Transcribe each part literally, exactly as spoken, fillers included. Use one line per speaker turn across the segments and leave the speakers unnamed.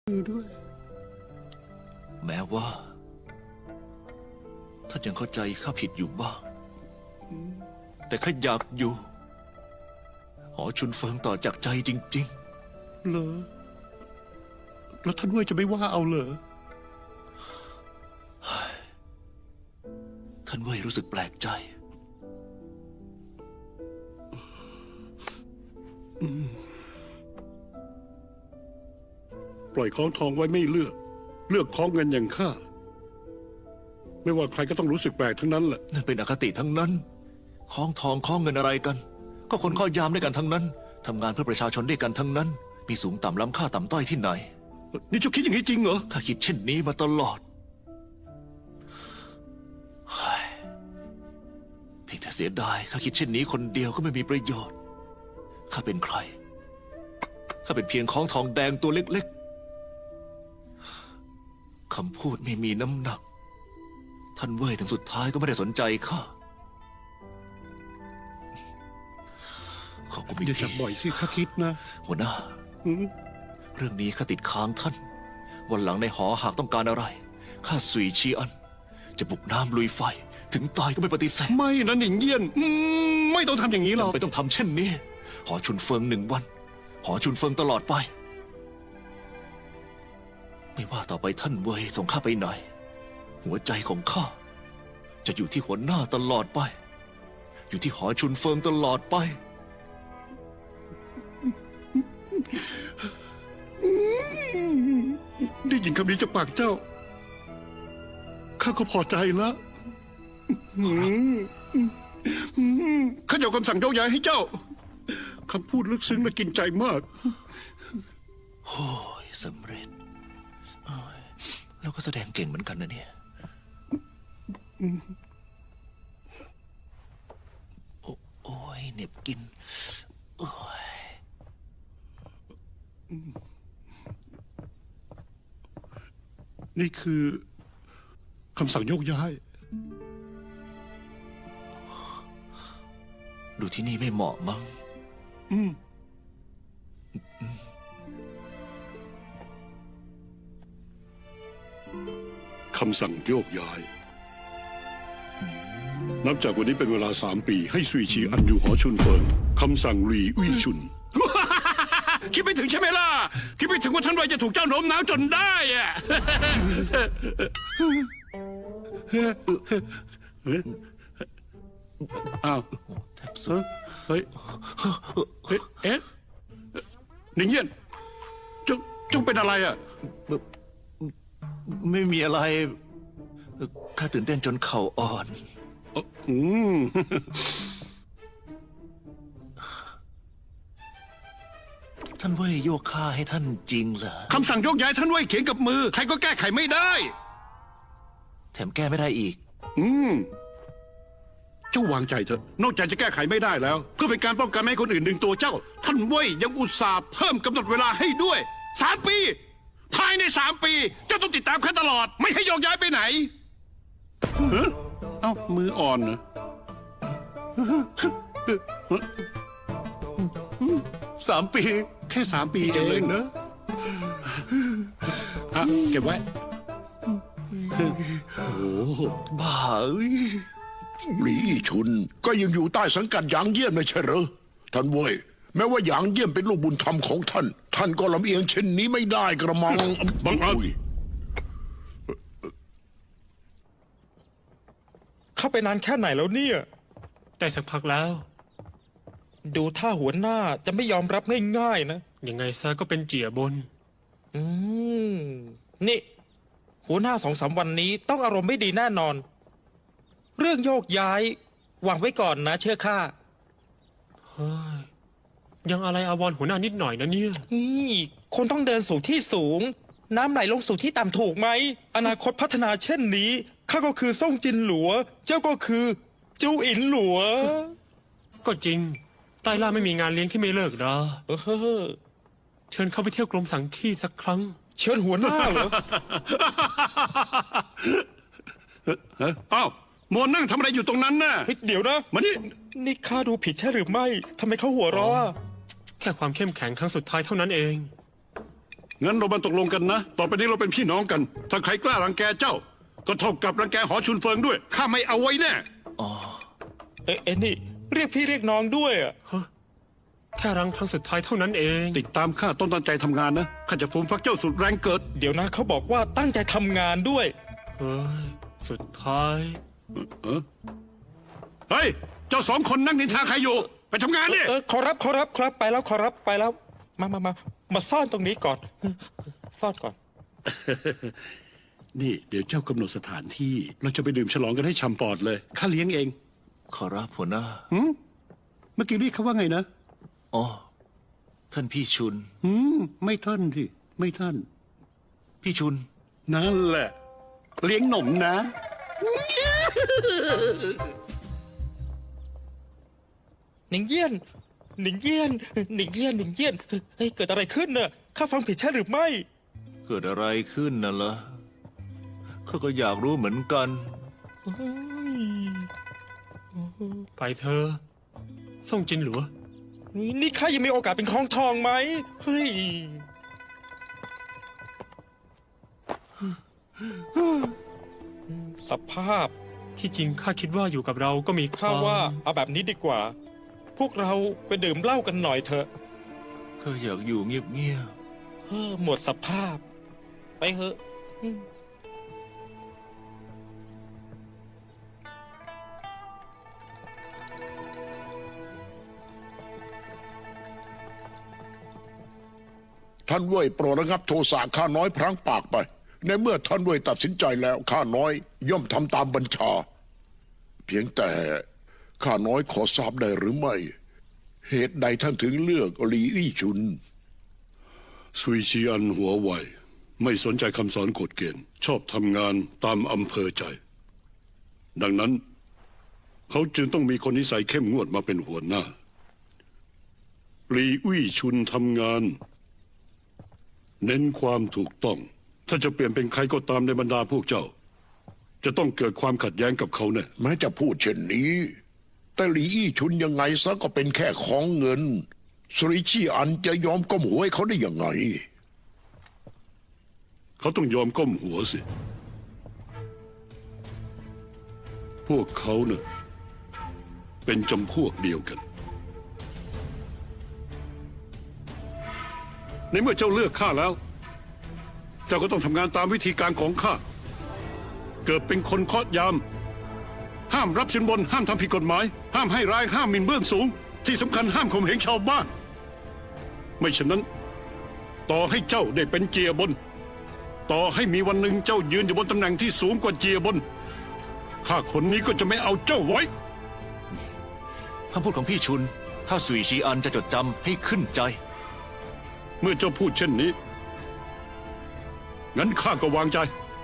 มือด้วย
แม้ว่าท่านยังเข้าใจข้าผิดอยู่บ้างแต่ข้าอยากอยู่หอชุนเฟิงต่อจากใจจริง
ๆเหรอแล้วท่านเว่ยจะไม่ว่าเอาเหรอ
ท่านเว่ยรู้สึกแปลกใจ
ปล่อยคล้องทองไว้ไม่เลือกเลือกคล้องเงินอย่างข้าไม่ว่าใครก็ต้องรู้สึกแปลกทั้งนั้นแหละ
นั่นเป็นอคติทั้งนั้นคล้องทองคล้องเงินอะไรกันก็คนข้อยามด้วยกันทั้งนั้นทำงานเพื่อประชาชนด้วยกันทั้งนั้นมีสูงต่ำล้ำค่าต่ำต้อยที่ไหน
นี่เจ้าคิดอย่างนี้จริงเหรอ
ข้าคิดเช่นนี้มาตลอดเพียงแต่เสียดายข้าคิดเช่นนี้คนเดียวก็ไม่มีประโยชน์ข้าเป็นใครข้าเป็นเพียงของทองแดงตัวเล็กๆคำพูดไม่มีน้ำหนักท่านเว่ยถึงสุดท้ายก็ไม่ได้สนใจข้าเขาก็ไม่
อย่าจับบ่อยสิข้าคิดนะ
หัวหน้าเรื่องนี้ข้าติดค้างท่านวันหลังในหอหากต้องการอะไรข้าสุยชีอันจะบุกน้ำลุยไฟถึงตายก็ไม่ปฏิเสธ
ไม่นะหนิงเยี่ยนไม่ต้องทำอย่างนี้หรอก
ไม่ต้องทำเช่นนี้หอชุนเฟิงหนึ่งวันหอชุนเฟิงตลอดไปไม่ว่าต่อไปท่านเว่ยส่งข้าไปไหนหัวใจของข้าจะอยู่ที่หัวหน้าตลอดไปอยู่ที่หอชุนเฟิงตลอดไป
ได้ยินคำนี้จากปากเจ้าข้าก็พอใจแล้วข้าจะเอาคำสั่งโยกย้ายให้เจ้าคำพูดลึกซึ้งและกินใจมาก
โอ้ยสำเร็จแล้วก็แสดงเก่งเหมือนกันนะเนี่ยโอ้ยเหน็บกินโอ้ย
นี่คือคำสั่งโยกย้าย
ดูที่นี่ไม่เหมาะมั้ง
อืมคำสั่งโยกย้ายนับจากวันนี้เป็นเวลาสามปีให้ซุยชีอันอยู่หอชุนเฟิงคำสั่งหลีอุ้ยชุนคิดไม่ถึงใช่ไหมล่ะคิดไม่ถึงว่าท่านเว่ยจะถูกเจ้าโน้มน้าวจนได้อะอ้าวเฮ้ยเอ๊ะหนิงเยี่ยนเจ้าเจ้าเป็นอะไรอ่ะ
ไม่มีอะไรข้าตื่นเต้นจนเข่าอ่อน
อืม
ท่านเว่ยโยกข้าให้ท่านจริงเหรอ
คำสั่งโยกย้ายท่านเว่ยเขียนกับมือใครก็แก้ไขไม่ได้
แถมแก้ไม่ได้อีก
อืมเจ้าวางใจเถอะนอกจากจะแก้ไขไม่ได้แล้วเพื่อเป็นการป้องกันไม่ให้คนอื่นดึงตัวเจ้าท่านเว่ยยังอุตส่าห์เพิ่มกำหนดเวลาให้ด้วยสามปีภายในสามปีเจ้าต้องติดตามข้าตลอดไม่ให้โยกย้ายไปไหนเอ้ามืออ่อนเหรอ
สามปี
แค่สามปีเองนะอ่ะเก็บไว้โอ้
บ้าเอ้ย
หลีชุนก็ยังอยู่ใต้สังกัดหยางเยี่ยนไม่ใช่เหรอท่านเว่ยแม้ว่าหยางเยี่ยนเป็นลูกบุญธรรมของท่านท่านก็ลำเอียงเช่นนี้ไม่ได้กระมัง
บังอาจ
เข้าไปนานแค่ไหนแล้วเนี่ย
ได้สักพักแล้ว
ดูท่าหัวหน้าจะไม่ยอมรับง่ายๆนะ
ยังไงซะก็เป็นเจี๋ยบน
อืมนี่หัวหน้าสองสามวันนี้ต้องอารมณ์ไม่ดีแน่นอนเรื่องโยกย้ายวางไว้ก่อนนะเชื่อข้า
เฮ้ยยังอะไรอาวรณ์หัวหน้านิดหน่อยนะเนี่ย
นี่คนต้องเดินสู่ที่สูงน้ำไหลลงสู่ที่ต่ำถูกไหมอนาคตพัฒนาเช่นนี้ข้าก็คือซ่งจินหลัวเจ้าก็คือจูอินหลัว
ก็จริงใต้ล่าไม่มีงานเลี้ยงที่ไม่เลิกนะ
เออ
เชิญเข้าไปเที่ยวกรมสังคีสักครั้ง
เชิญหัวหน้าเหรอ
อ้าวโมนนั่งทำอะไรอยู่ตรงนั้นน่ะ
เดี๋ยวนะ
มานี่
นี่ข้าดูผิดใช่หรือไม่ทำไมเขาหัวเราะ
แค่ความเข้มแข็งครั้งสุดท้ายเท่านั้นเอง
งั้นเรามาตกลงกันนะ ต่อไปนี้เราเป็นพี่น้องกัน ถ้าใครกล้ารังแกเจ้า ก็เท่ากับรังแกหอชุนเฟิงด้วย ข้าไม่เอาไว้แน่
เอ๊ะเอ็นี่ เรียกพี่เรียกน้องด้วยอะ
แค่รังครั้งสุดท้ายเท่านั้นเอง
ติดตามข้าต้องตั้งใจทำงานนะ ข้าจะฟูมฟักเจ้าสุดแรงเกิด
เดี๋ยวนะเขาบอกว่าตั้งใจทำงานด้วย
เฮ้ย สุดท้าย
เฮ้ย เจ้าสองคนนั่งนินทาใครอยู่ ไปทำงานดิ
เออขอรับขอรับครับไปแล้วขอรับไปแล้ว มามามามาซ่อนตรงนี้ก่อน ซ่อนก่อน
นี่เดี๋ยวเจ้ากำหนดสถานที่ เราจะไปดื่มฉลองกันให้ชำปอดเลย ข้าเลี้ยงเอง
ขอรับหัวหน้า
เมื่อกี้เรียกเขาว่าไงนะ
อ๋อ ท่านพี่ชุน
อืม ไม่ท่านสิ ไม่ท่าน
พี่ชุน
นั่นแหละ เลี้ยงหนมนะ
หนิงเยี่ยน หนิงเยี่ยน หนิงเยี่ยน หนิงเยี่ยน เฮ้ย เกิดอะไรขึ้นน่ะ ข้าฟังผิดใช่หรือไม่
เกิดอะไรขึ้นน่ะล่ะข้าก็อยากรู้เหมือนกัน
ไปเธอส่งจินหลัว
นี่ข้ายังมีโอกาสเป็นของทองไหม เฮ้ย สภาพ
ที่จริงข้าคิดว่าอยู่กับเราก็มีค
ข้าว
าม
ว่าเอาแบบนี้ดีกว่า พวกเราไปดื่มเหล้ากันหน่อยเถอะ
ข้าอยากอยู่เงียบ
เออหมดสภาพ ไปเถอะ
ท่านเว่ยโปรดระงับโทสะข้าน้อยพลั้งปากไป ในเมื่อท่านเว่ยตัดสินใจแล้วข้าน้อยย่อมทำตามบัญชา เพียงแต่ข้าน้อยขอทราบได้หรือไม่ เหตุใดท่านถึงเลือกหลีอี้ชุน
ซุยชีอันหัวไว ไม่สนใจคำสอนกฎเกณฑ์ ชอบทำงานตามอำเภอใจ ดังนั้น เขาจึงต้องมีคนนิสัยเข้มงวดมาเป็นหัวหน้าหลีอุ้ยชุนทำงาน เน้นความถูกต้อง ถ้าจะเปลี่ยนเป็นใครก็ตามในบรรดาพวกเจ้า จะต้องเกิดความขัดแย้งกับเขาแน่
แม้จะพูดเช่นนี้ แต่หลีอี้ชุนยังไงซะก็เป็นแค่ของเงินสุริชีอันจะยอมก้มหัวให้เขาได้ยังไง
เขาต้องยอมก้มหัวสิ พวกเขาเน่ะเป็นจำพวกเดียวกัน ในเมื่อเจ้าเลือกข้าแล้ว เจ้าก็ต้องทำงานตามวิธีการของข้า เกิดเป็นคนเคาะยาม ห้ามรับสินบน ห้ามทำผิดกฎหมาย ห้ามให้ร้าย ห้ามหมิ่นเบื้องสูง ที่สำคัญห้ามข่มเหงชาวบ้าน ไม่ฉะนั้น ต่อให้เจ้าได้เป็นเจียบน ต่อให้มีวันหนึ่งเจ้ายืนอยู่บนตำแหน่งที่สูงกว่าเจียบน ข้าคนนี้ก็จะไม่เอาเจ้าไว้
ๆคำพูดของพี่ชุน ถ้าสุยชีอันจะจดจำให้ขึ้นใจ
เมื่อเจ้าพูดเช่นนี้ งั้นข้าก็วางใจ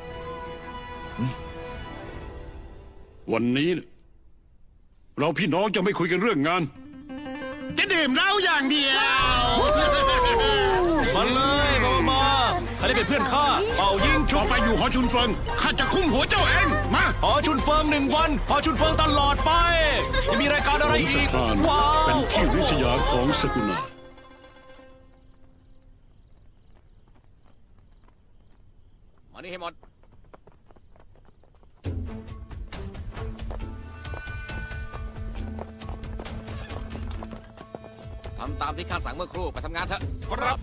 วันนี้น่ะเราพี่น้องจะไม่คุยกันเรื่องงาน จะดื่มเหล้าอย่างเดียว
มาเลยมามาใครได้เป็นเพื่อนข้าเป่ายิงชุ
ต่อบ ไปอยู่หอชุนเฟิง ข้าจะคุ้มหัวเจ้าเอง มา
หอชุนเฟิงหนึ่งวันหอชุนเฟิงตลอดไปจะมีรายการอะไร
ส
อีก
ถาน
ว้า
เป็น
ว
ที่ริษยาของสกุณามานี่ให้หมด
ทำตามที่ข้าสั่งเมื่อครู่ไปทำงานเถอะครับ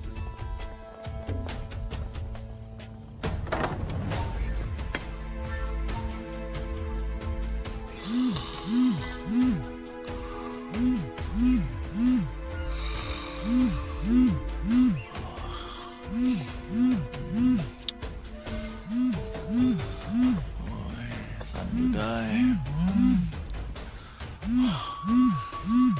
สั่นอยู่ได้